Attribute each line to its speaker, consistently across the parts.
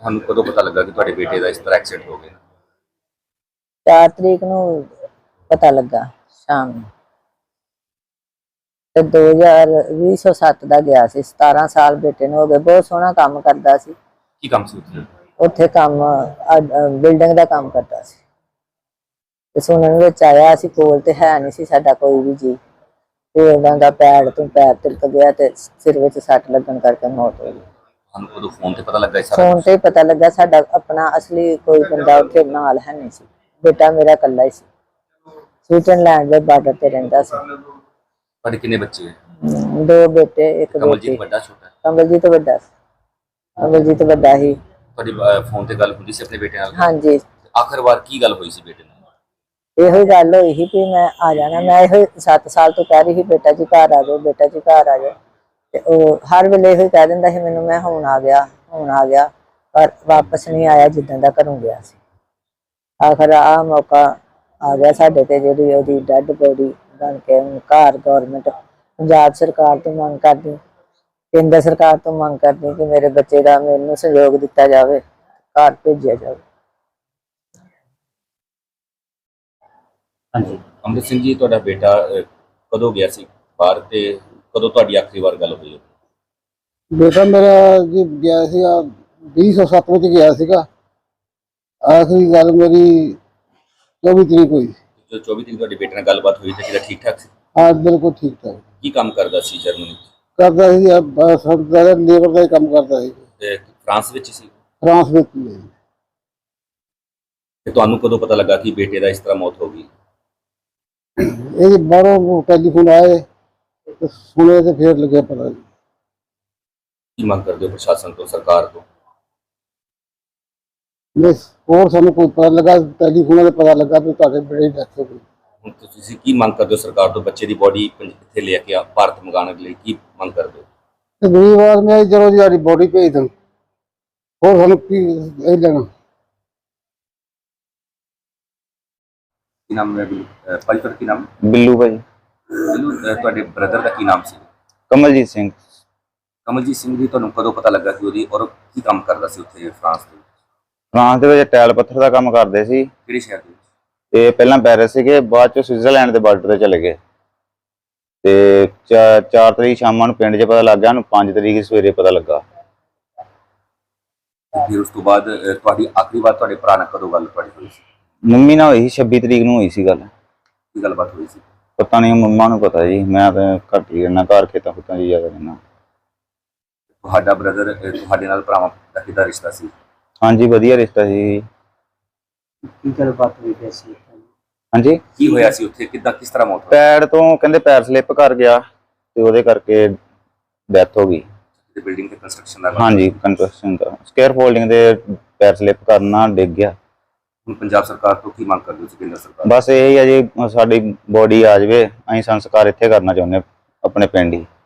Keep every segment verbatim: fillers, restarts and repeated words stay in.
Speaker 1: ਤੁਹਾਨੂੰ ਕਦੋਂ ਪਤਾ ਲੱਗਾ ਕਿ ਤੁਹਾਡੇ ਬੇਟੇ ਦਾ ਇਸ ਤਰ੍ਹਾਂ ਐਕਸੀਡੈਂਟ ਹੋ ਗਿਆ?
Speaker 2: ਚਾਰ ਤਰੀਕ ਨੂੰ ਪਤਾ ਲੱਗਾ ਸ਼ਾਮ ਨੂੰ ਤੇ ਦੋ ਹਜ਼ਾਰ ਵੀਹ ਸੌ ਸੱਤ ਦਾ ਗਿਆ ਸੀ। ਸਤਾਰਾਂ ਸਾਲ ਬੇਟੇ ਨੂੰ ਹੋ ਗਏ। ਬਹੁਤ ਸੋਹਣਾ ਕੰਮ ਕਰਦਾ ਸੀ।
Speaker 1: ਕੀ ਕੰਮ ਸੀ ਉੱਥੇ?
Speaker 2: ਉੱਥੇ ਕੰਮ ਬਿਲਡਿੰਗ ਦਾ ਕੰਮ ਕਰਦਾ ਸੀ ਤੇ ਸੁਣਨ ਵਿੱਚ ਆਇਆ, ਅਸੀਂ ਕੋਲ ਤੇ ਹੈ ਨਹੀਂ ਸੀ ਸਾਡਾ ਕੋਈ ਵੀ ਜੀ, ਤੇ ਉਹਨਾਂ ਦਾ ਪੈਰ ਤੋਂ ਪੈਰ ਤਿਲਕ ਗਿਆ ਤੇ ਸਿਰ ਵਿੱਚ ਸੱਟ ਲੱਗਣ ਕਰਕੇ ਮੌਤ ਹੋ ਗਈ।
Speaker 1: ਤੁਹਾਨੂੰ ਉਦੋਂ ਫੋਨ ਤੇ ਪਤਾ ਲੱਗਾ ਇਸ ਸਾਰਾ?
Speaker 2: ਫੋਨ ਤੇ ਪਤਾ ਲੱਗਾ। ਸਾਡਾ ਆਪਣਾ ਅਸਲੀ ਕੋਈ ਬੰਦਾ ਉੱਥੇ ਨਾਲ ਹੈ ਨਹੀਂ ਸੀ। ਬੇਟਾ ਮੇਰਾ ਇਕੱਲਾ ਹੀ ਸੀ। ਸਵਿਟਜ਼ਰਲੈਂਡ ਦੇ ਬਾਰਡਰ ਤੇ ਰਹਿੰਦਾ ਸੀ।
Speaker 1: ਤੁਹਾਡੇ ਕਿੰਨੇ ਬੱਚੇ ਹੈ?
Speaker 2: ਦੋ ਬੇਟੇ ਇੱਕ ਬੇਟੀ।
Speaker 1: ਕਮਲਜੀਤ ਵੱਡਾ ਛੋਟਾ?
Speaker 2: ਕਮਲਜੀਤ ਵੱਡਾ ਸੀ। ਕਮਲਜੀਤ ਵੱਡਾ ਹੀ।
Speaker 1: ਤੁਹਾਡੀ ਫੋਨ ਤੇ ਗੱਲ ਹੁੰਦੀ ਸੀ ਆਪਣੇ ਬੇਟੇ ਨਾਲ?
Speaker 2: ਹਾਂਜੀ।
Speaker 1: ਆਖਰ ਵਾਰ ਕੀ ਗੱਲ ਹੋਈ ਸੀ ਬੇਟੇ ਨਾਲ?
Speaker 2: ਇਹੋ ਹੀ ਗੱਲ ਹੋਈ ਸੀ ਕਿ ਮੈਂ ਆ ਜਾਣਾ। ਮੈਂ ਇਹੋ ਸੱਤ ਸਾਲ ਤੋਂ ਕਹਿ ਰਹੀ ਸੀ ਬੇਟਾ ਜੀ ਘਰ ਆ ਜਾਓ, ਬੇਟਾ ਜੀ ਘਰ ਆ ਜਾਓ, ਤੇ ਉਹ ਹਰ ਵੇਲੇ ਇਹੋ ਹੀ ਕਹਿ ਦਿੰਦਾ ਸੀ ਮੈਨੂੰ, ਮੈਂ ਹੁਣ ਆ ਗਿਆ ਹੁਣ ਆ ਗਿਆ, ਪਰ ਵਾਪਸ ਨਹੀਂ ਆਇਆ ਜਿੱਦਾਂ ਦਾ ਘਰੋਂ ਗਿਆ ਸੀ। ਆਖਰ ਆ ਮੌਕਾ ਆ ਗਿਆ ਸਾਡੇ ਤੇ, ਜਿਹੜੀ ਉਹਦੀ ਡੈਡ ਬੋਡੀ ਬਣ ਕੇ ਹੁਣ ਘਰ ਗੌਰਮੈਂਟ ਪੰਜਾਬ ਸਰਕਾਰ ਤੋਂ ਮੰਗ ਕਰਦੀ, ਕੇਂਦਰ ਸਰਕਾਰ ਤੋਂ ਮੰਗ ਕਰਦੀ ਕਿ ਮੇਰੇ ਬੱਚੇ ਦਾ ਮੈਨੂੰ ਸਹਿਯੋਗ ਦਿੱਤਾ ਜਾਵੇ, ਘਰ ਭੇਜਿਆ ਜਾਵੇ।
Speaker 1: ਹਾਂਜੀ ਅੰਮ੍ਰਿਤ ਸਿੰਘ ਜੀ, ਤੁਹਾਡਾ ਬੇਟਾ ਕਦੋਂ ਗਿਆ ਸੀ ਬਾਹਰ ਤੇ ਕਦੋਂ ਤੁਹਾਡੀ ਆਖਰੀ ਵਾਰ ਗੱਲ ਹੋਈ?
Speaker 3: ਬੇਟਾ ਮੇਰਾ ਜੀ ਗਿਆ ਸੀਗਾ ਵੀਹ ਸੌ ਸੱਤ ਵਿੱਚ ਗਿਆ ਸੀਗਾ। ਆਖਰੀ ਗੱਲ ਮੇਰੀ ਚੌਵੀ ਤਰੀਕ ਹੋਈ।
Speaker 1: ਜੋ ਚੌਵੀ ਤਰੀਕ ਤੁਹਾਡੇ ਬੇਟੇ ਨਾਲ ਗੱਲਬਾਤ ਹੋਈ ਤੇ ਕਿਹੜਾ ਠੀਕ ਠਾਕ ਸੀ?
Speaker 3: ਹਾਂ ਬਿਲਕੁਲ ਠੀਕ ਠਾਕ।
Speaker 1: ਕੀ ਕੰਮ ਕਰਦਾ ਸੀ ਜਰਮਨੀ?
Speaker 3: ਕਰਦਾ ਸੀ ਲੇਬਰ ਦਾ ਹੀ ਕੰਮ ਕਰਦਾ ਸੀ।
Speaker 1: ਤੇ ਫਰਾਂਸ ਵਿੱਚ ਸੀ?
Speaker 3: ਫਰਾਂਸ ਵਿੱਚ।
Speaker 1: ਤੇ ਤੁਹਾਨੂੰ ਕਦੋਂ ਪਤਾ ਲੱਗਾ ਕਿ ਬੇਟੇ ਦਾ ਇਸ ਤਰ੍ਹਾਂ ਮੌਤ ਹੋ ਗਈ?
Speaker 3: ਇਹ ਬਾਹਰੋਂ ਟੈਲੀਫੋਨ ਆਏ ਤੇ ਸੁਣੇ ਤੇ ਫਿਰ ਲੱਗਿਆ ਪਤਾ।
Speaker 1: ਕੀ ਮੰਗ ਕਰਦੇ ਹੋ ਪ੍ਰਸ਼ਾਸਨ ਤੋਂ, ਸਰਕਾਰ ਤੋਂ?
Speaker 3: ਬਸ ਹੋਰ ਸਾਨੂੰ ਕੋਈ ਪਤਾ ਲੱਗਾ, ਟੈਲੀਫੋਨ ਤੇ ਪਤਾ ਲੱਗਾ ਵੀ ਤੁਹਾਡੇ ਬੇਟੇ ਦੀ ਡੈਥ ਹੋ ਗਈ।
Speaker 1: ਹੁਣ ਤੁਸੀਂ ਕੀ ਮੰਗ ਕਰਦੇ ਹੋ ਸਰਕਾਰ ਤੋਂ? ਬੱਚੇ ਦੀ ਬੋਡੀ ਇੱਥੇ ਲੈ ਕੇ ਆ ਭਾਰਤ ਮੰਗਾਉਣ ਲਈ ਕੀ ਮੰਗ ਕਰਦੇ ਹੋ?
Speaker 3: ਤੇ ਦੂਜੀ ਵਾਰ ਮੈਂ ਚਲੋ ਜੀ ਸਾਡੀ ਬੋਡੀ ਭੇਜ ਦੇਣ, ਹੋਰ ਸਾਨੂੰ ਕੀ ਇਹ ਲੈਣਾ।
Speaker 1: ਕੀ ਨਾਮ ਹੈ ਭਾਈ? ਤੁਹਾਡਾ ਕੀ ਨਾਮ?
Speaker 4: ਬਿੱਲੂ ਭਾਈ।
Speaker 1: ਬਿੱਲੂ, ਤੁਹਾਡੇ ਬ੍ਰਦਰ ਦਾ ਕੀ ਨਾਮ ਸੀ?
Speaker 4: ਕਮਲਜੀਤ ਸਿੰਘ।
Speaker 1: ਕਮਲਜੀਤ ਸਿੰਘ ਜੀ, ਤੁਹਾਨੂੰ ਕਦੋਂ ਪਤਾ ਲੱਗਾ ਕਿ ਉਹਦੀ ਔਰ ਕੀ ਕੰਮ ਕਰਦਾ ਸੀ ਉੱਥੇ ਫਰਾਂਸ ਦੇ?
Speaker 4: ਫਰਾਂਸ ਦੇ ਵਿੱਚ ਟੈਲ ਪੱਥਰ ਦਾ ਕੰਮ ਕਰਦੇ ਸੀ।
Speaker 1: ਕਿਹੜੇ ਸ਼ਹਿਰ ਦੇ ਵਿੱਚ?
Speaker 4: ਤੇ ਪਹਿਲਾਂ ਪੈਰਿਸ ਸੀਗੇ, ਬਾਅਦ ਚ ਸਵਿਟਜ਼ਰਲੈਂਡ ਦੇ ਬਾਰਡਰ ਤੇ ਚਲੇ ਗਏ। ਤੇ ਚਾਰ ਤਰੀਕ ਸ਼ਾਮਾਂ ਨੂੰ ਪਿੰਡ 'ਚ ਪਤਾ ਲੱਗ ਗਿਆ, ਉਹਨੂੰ ਪੰਜ ਤਰੀਕ ਸਵੇਰੇ ਪਤਾ ਲੱਗਾ।
Speaker 1: ਫਿਰ ਉਸ ਤੋਂ ਬਾਅਦ ਤੁਹਾਡੀ ਆਖਰੀ ਵਾਰ ਤੁਹਾਡੇ ਭਰਾ ਨਾਲ ਕਦੋਂ ਗੱਲ ਤੁਹਾਡੀ ਹੋਈ ਸੀ?
Speaker 4: ਮੰਮੀ ਨਾਲ ਹੋਈ ਸੀ, ਛੱਬੀ ਤਰੀਕ ਨੂੰ ਹੋਈ ਸੀ ਗੱਲ।
Speaker 1: ਕੀ ਗੱਲਬਾਤ ਹੋਈ ਸੀ?
Speaker 4: ਪਤਾ ਨਹੀਂ, ਮੰਮਾ ਨੂੰ ਪਤਾ ਜੀ, ਮੈਂ ਤਾਂ ਘੱਟ ਹੀ ਰਹਿਣਾ, ਘਰ ਖੇਤਾਂ ਖੁੱਤਾਂ 'ਚ ਜ਼ਿਆਦਾ ਰਹਿਣਾ।
Speaker 1: ਤੁਹਾਡਾ ਬ੍ਰਦਰ ਤੁਹਾਡੇ ਨਾਲ ਭਰਾਵਾਂ ਦਾ ਕਿੱਦਾਂ ਰਿਸ਼ਤਾ ਸੀ?
Speaker 4: ਹਾਂਜੀ ਵਧੀਆ ਰਿਸ਼ਤਾ ਸੀ।
Speaker 5: ਕੀ ਗੱਲਬਾਤ ਹੋਈ ਸੀ?
Speaker 4: ਹਾਂਜੀ
Speaker 1: ਕੀ ਹੋਇਆ ਸੀ ਉੱਥੇ? ਕਿੱਦਾਂ ਕਿਸ ਤਰ੍ਹਾਂ ਮੌਤ ਹੋਈ?
Speaker 4: ਪੈਰ ਤੋਂ ਕਹਿੰਦੇ ਪੈਰ ਸਲਿੱਪ ਕਰ ਗਿਆ ਤੇ ਉਹਦੇ ਕਰਕੇ ਡੈਥ ਹੋ ਗਈ।
Speaker 1: ਬਿਲਡਿੰਗ ਤੇ ਕੰਸਟਰਕਸ਼ਨ ਦਾ?
Speaker 4: ਹਾਂਜੀ ਕੰਸਟਰਕਸ਼ਨ ਦਾ, ਸਕੇਅਰ ਫੋਲਡਿੰਗ ਦੇ ਪੈਰ ਸਲਿੱਪ ਕਰਨਾ ਡਿੱਗ ਗਿਆ।
Speaker 1: ਹੁਣ ਪੰਜਾਬ ਸਰਕਾਰ ਤੋਂ ਕੀ ਮੰਗ ਕਰਦੇ ਹੋ? ਕੇਂਦਰ ਸਰਕਾਰ?
Speaker 4: ਬਸ ਇਹੀ ਹੈ ਜੀ, ਸਾਡੀ ਬੋਡੀ ਆ ਜਾਵੇ, ਅਸੀਂ ਸੰਸਕਾਰ ਇੱਥੇ ਕਰਨਾ ਚਾਹੁੰਦੇ ਆਪਣੇ ਪਿੰਡ ਹੀ।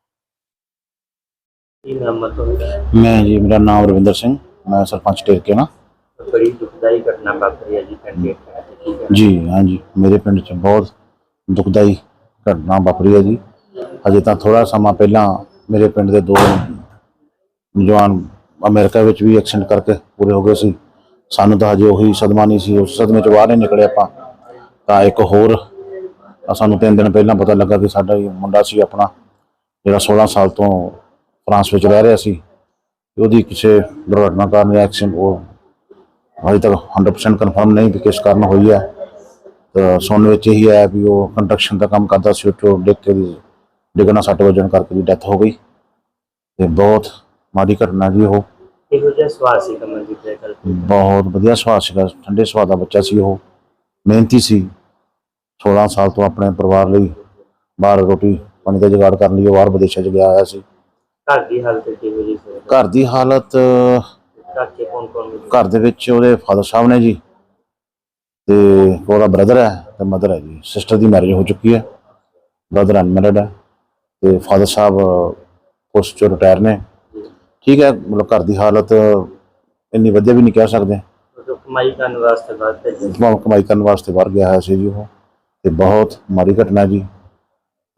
Speaker 5: ਕੀ ਨਾਮ ਹੈ ਤੁਹਾਡਾ?
Speaker 6: मैं जी, मेरा नाम रविंदर सिंह, मैं सरपंच टेरके ना।
Speaker 5: बड़ी दुखदाई घटना वापरी है जी पिंड
Speaker 6: जी। हाँ जी, मेरे पिंड च बहुत दुखदाई घटना वापरी है जी। अजे तो थोड़ा समा पहला मेरे पिंड के दो नौजवान अमेरिका में भी एक्सीडेंट करके पूरे हो गए सी। सानू तो हजे उही सदमा नहीं सी, उस सदमे च बाहर नहीं निकले आपां। तां एक होर सानू तीन दिन पहला पता लगा कि साडा मुंडा सी अपना, जिहड़ा सोलह साल तो फ्रांस में रह रहा सी, ਉਹਦੀ ਕਿਸੇ ਦੁਰਘਟਨਾ ਕਾਰਨ ਐਕਸੀਡੈਂਟ ਉਹ ਅਜੇ ਤੱਕ ਹੰਡਰਡ ਪਰਸੈਂਟ ਕਨਫਰਮ ਨਹੀਂ ਵੀ ਕਿਸ ਕਾਰਨ ਹੋਈ ਹੈ। ਤਾਂ ਸੁਣਨ ਵਿੱਚ ਇਹੀ ਆਇਆ ਵੀ ਉਹ ਕੰਸਟਰਕਸ਼ਨ ਦਾ ਕੰਮ ਕਰਦਾ ਸੀ, ਉੱਥੋਂ ਡਿੱਗ ਕੇ ਡਿੱਗਣਾ ਸੱਟ ਵੱਜਣ ਕਰਕੇ ਦੀ ਡੈਥ ਹੋ ਗਈ। ਤੇ ਬਹੁਤ ਮਾੜੀ ਘਟਨਾ ਜੀ। ਉਹ
Speaker 5: ਇਹੋ ਜਿਹਾ ਸੁਭਾਅ ਸੀ ਕਮਲਜੀਤ ਦਾ?
Speaker 6: ਬਹੁਤ ਵਧੀਆ ਸੁਭਾਅ ਸੀਗਾ, ਠੰਡੇ ਸੁਭਾਅ ਦਾ ਬੱਚਾ ਸੀ। ਉਹ ਮਿਹਨਤੀ ਸੀ। ਸੋਲਾਂ ਸਾਲ ਤੋਂ ਆਪਣੇ ਪਰਿਵਾਰ ਲਈ ਬਾਹਰ ਰੋਟੀ ਪਾਣੀ ਦਾ ਜੁਗਾੜ ਕਰਨ ਲਈ ਉਹ ਬਾਹਰ ਵਿਦੇਸ਼ਾਂ 'ਚ ਗਿਆ ਹੋਇਆ ਸੀ।
Speaker 5: ਘਰ ਦੀ ਹਾਲਤ ਕਿਹੋ ਜਿਹੀ ਸੀ?
Speaker 6: ਘਰ ਦੀ ਹਾਲਤ,
Speaker 5: ਘਰ 'ਚ ਕੌਣ ਕੌਣ?
Speaker 6: ਘਰ ਦੇ ਵਿੱਚ ਉਹਦੇ ਫਾਦਰ ਸਾਹਿਬ ਨੇ ਜੀ, ਤੇ ਉਹਦਾ ਬ੍ਰਦਰ ਹੈ ਤੇ ਮਦਰ ਹੈ ਜੀ। ਸਿਸਟਰ ਦੀ ਮੈਰਿਜ ਹੋ ਚੁੱਕੀ ਹੈ, ਬ੍ਰਦਰ ਅਨਮੈਰਿਡ ਹੈ, ਤੇ ਫਾਦਰ ਸਾਹਿਬ ਪੋਸਟ 'ਚੋਂ ਰਿਟਾਇਰ ਨੇ। ਠੀਕ ਹੈ, ਮਤਲਬ ਘਰ ਦੀ ਹਾਲਤ ਇੰਨੀ ਵਧੀਆ ਵੀ ਨਹੀਂ ਕਹਿ ਸਕਦੇ।
Speaker 5: ਕਮਾਈ ਕਰਨ ਵਾਸਤੇ ਬਾਹਰ
Speaker 6: ਕਮਾਈ ਕਰਨ ਵਾਸਤੇ ਬਾਹਰ ਗਿਆ ਹੋਇਆ ਸੀ ਜੀ ਉਹ, ਤੇ ਬਹੁਤ ਮਾੜੀ ਘਟਨਾ ਜੀ।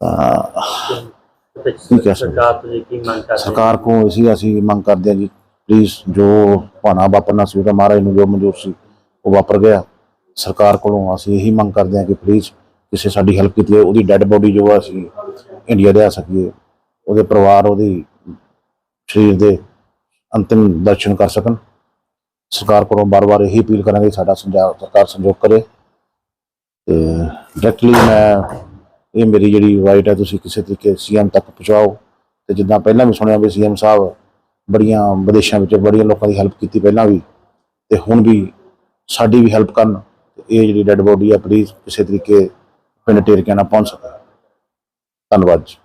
Speaker 6: ਤਾਂ
Speaker 5: ਸਰਕਾਰ ਤੋਂ ਕੀ ਮੰਗ ਕਰਦੇ?
Speaker 6: ਸਰਕਾਰ ਕੋਲ ਅਸੀਂ ਅਸੀਂ ਮੰਗ ਕਰਦੇ ਹਾਂ ਜੀ, ਪਲੀਜ਼ ਜੋ ਭਾਣਾ ਵਾਪਰਨਾ ਸੀ ਉਹਦਾ ਮਹਾਰਾਜ ਨੂੰ ਜੋ ਮਨਜ਼ੂਰ ਸੀ ਉਹ ਵਾਪਰ ਗਿਆ। ਸਰਕਾਰ ਕੋਲੋਂ ਅਸੀਂ ਇਹੀ ਮੰਗ ਕਰਦੇ ਹਾਂ ਕਿ ਪਲੀਜ਼ ਕਿਸੇ ਸਾਡੀ ਹੈਲਪ ਕੀਤੀ ਜਾਵੇ, ਉਹਦੀ ਡੈੱਡ ਬੋਡੀ ਜੋ ਆ ਅਸੀਂ ਇੰਡੀਆ ਲਿਆ ਸਕੀਏ, ਉਹਦੇ ਪਰਿਵਾਰ ਉਹਦੀ ਸਰੀਰ ਦੇ ਅੰਤਿਮ ਦਰਸ਼ਨ ਕਰ ਸਕਣ। ਸਰਕਾਰ ਕੋਲੋਂ ਬਾਰ-ਬਾਰ ਇਹੀ ਅਪੀਲ ਕਰਾਂਗੇ ਸਾਡਾ ਸੰਜਾ ਸਰਕਾਰ ਸੰਯੋਗ ਕਰੇ। ਤੇ ਡਾਇਰੈਕਟਲੀ ਮੈਂ ਇਹ ਮੇਰੀ ਜਿਹੜੀ ਰਾਈਟ ਹੈ ਤੁਸੀਂ ਕਿਸੇ ਤਰੀਕੇ ਸੀਐਮ ਤੱਕ ਪਹੁੰਚਾਓ। ਤੇ ਜਿੱਦਾਂ ਪਹਿਲਾਂ ਵੀ ਸੁਣਿਆ ਵੀ ਸੀਐਮ ਸਾਹਿਬ ਬੜੀਆਂ ਵਿਦੇਸ਼ਾਂ ਵਿੱਚ ਬੜੀਆਂ ਲੋਕਾਂ ਦੀ ਹੈਲਪ ਕੀਤੀ ਪਹਿਲਾਂ ਵੀ, ਤੇ ਹੁਣ ਵੀ ਸਾਡੀ ਵੀ ਹੈਲਪ ਕਰਨ। ਇਹ ਜਿਹੜੀ ਡੈੱਡ ਬੋਡੀ ਆ ਪਲੀਜ਼ ਕਿਸੇ ਤਰੀਕੇ ਪਿੰਡ ਟੇਰਕਿਆਂ ਨਾਲ ਪਹੁੰਚ ਸਕੇ। ਧੰਨਵਾਦ ਜੀ।